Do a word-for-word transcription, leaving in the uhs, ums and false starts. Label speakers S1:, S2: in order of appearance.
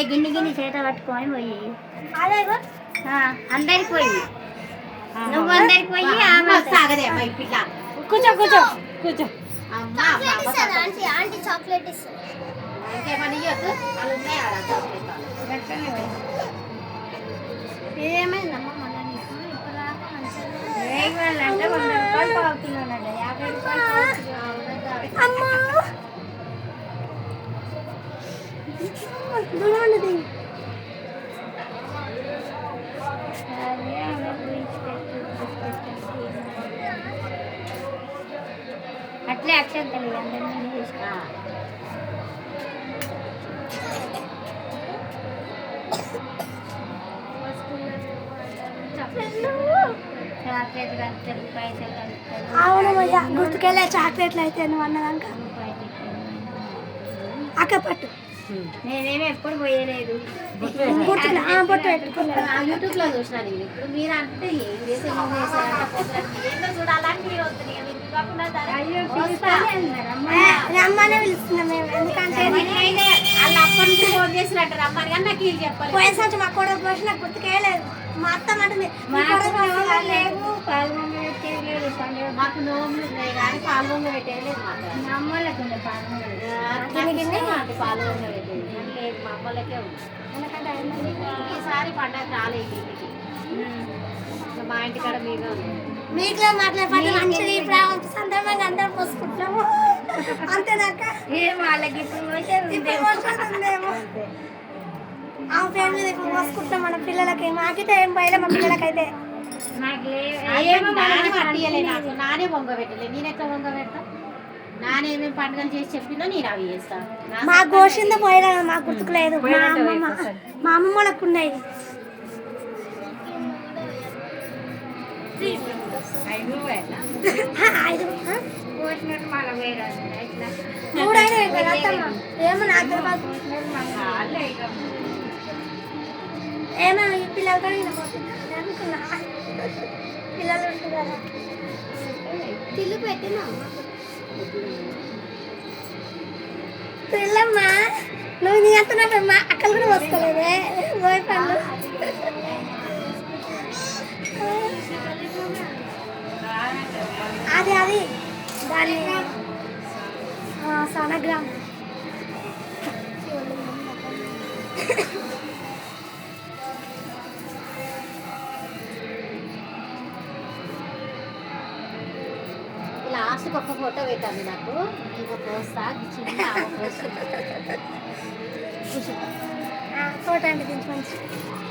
S1: గిన్ని గిన్ని చేత పట్టుకొని పోయి అందరికి పోయి నువ్వు అందరికి పోయి ఆమె సాగదే పిల్ల కూర్చో కూర్చో కూర్చో
S2: ఆంటీ చాక్లెట్ ఇస్తుంది
S1: ఇంకేమని ఇవ్వద్దు వాళ్ళు ఉన్నాయి ఆడ చాక్లెట్ ఏమైందమ్మా మళ్ళీ నీకు ఇప్పుడు దాకా మంచిగా అంటే వంద రూపాయలు పావుతున్నానండి యాభై రూపాయలు
S2: అమ్మా
S1: అట్లే అక్షరం తెలియదు అందరినీ చేసిన చాక్లెట్ కలుపుతారు పైసలు కలుపుతారు
S2: అవును మజా గుర్తుకెళ్ళే చాక్లెట్లు అయితే నువ్వు అన్నదాక అక్క పట్టు
S1: నేనేమి ఎప్పుడు పోయలేదు
S2: బొట్టు పెట్టుకున్నాను
S1: యూట్యూబ్ లో చూసినాను ఇప్పుడు మీరు అంటే ఏం చేసే ఏంటో చూడాలని మీరు వస్తుంది
S2: రమ్మనే పిలుస్తున్నాం మేము ఎందుకంటే
S1: వాళ్ళు అప్పటి నుంచి ఫోన్ చేసినట్టు రమ్మని కానీ నాకు ఇది చెప్పాలి
S2: పోయిన సంవత్సరం మా కూడా పోసి నాకు గుర్తుకేయలేదు మా అత్త అంటుంది
S1: మాకు నోములు ఉన్నాయి కానీ పాల్గొంగ పెట్టేయలేదు మా అమ్మలకి పాల్గొంగ పాల్గొంగ పెట్టేది లేదు మా అమ్మలకే ఉంది ఈసారి పండగ రాలేదు ఇంటికి మా ఇంటికాడ మీద
S2: మీకులో మాట్లాడే మంచిగా ఇప్పుడు సందర్భంగా అందరం పోసుకుంటాము అంతేనాక
S1: ఏం వాళ్ళకి ఇప్పుడు
S2: ఉందేమో ఆ ఫ్యామిలీ మీద ఇప్పుడు పోసుకుంటాం మన పిల్లలకి మాకైతే ఏం పోయలే మా పిల్లలకైతే
S1: నానే వంగ పెట్టలే నేను ఎట్లా వంగ పెడతా నానేమేమి పండుగలు చేసి చెప్పినా నేను అవి చేస్తాను
S2: మా గోషింద పోయలే మాకు గుర్తుకులేదు మా అమ్మమ్మ మా అమ్మమ్మ వాళ్ళకు ఉన్నాయి ఏమో నాకు ఏమో ఈ పిల్లలతో అనుకున్నా పిల్లలు ఉంటున్నారా తిల్లు పెట్టినా పిల్లమ్మా నువ్వు నీ అంటున్నావమ్మా అక్కలు కూడా వస్తలేదే పోయి పళ్ళు అది అది దాని సోనగ్రామ్
S1: లాస్ట్కి ఒక్క ఫోటో పెట్టాలి నాకు నీకు పోస్తా చిన్న
S2: ఫోటో అంటే మంచి